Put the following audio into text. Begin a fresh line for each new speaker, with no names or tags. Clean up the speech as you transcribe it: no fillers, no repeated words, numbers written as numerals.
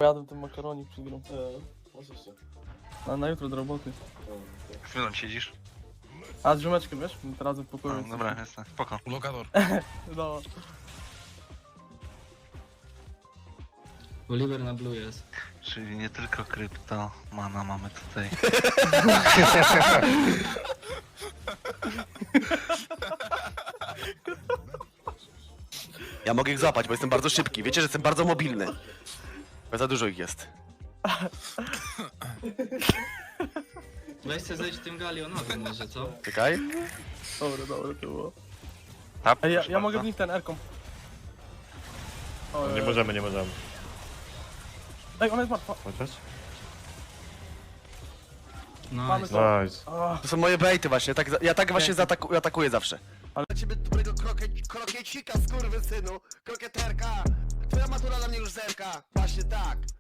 Jadłem ten makaronik przed grą.
Oczywiście.
A na jutro do roboty.
Chwilą siedzisz?
A z ziomeczkiem, wiesz? Teraz w pokoju.
No, dobra, jestem, spoko.
Lokator.
No.
Oliver na blue jest.
Czyli nie tylko krypto, mana mamy tutaj.
Ja mogę ich złapać, bo jestem bardzo szybki. Wiecie, że jestem bardzo mobilny. Bo za dużo ich jest.
Weź sobie zejdź tym galionowym może, co?
Czekaj.
Dobre to było.
Tap,
Ej,
proszę
ja mogę w
bardzo.
nich ten R-kom. O,
Nie możemy, nie możemy.
Ej, ona jest martwa.
Chociaż?
Mamy
Nice.
to.
Nice.
Ach,
To są moje bejty właśnie. Ja tak właśnie atakuję zawsze.
Ale-
Ale ciebie dobrego krokiecika, skurwysynu. Krokieterka. Twoja matura na mnie już zerka. Właśnie tak.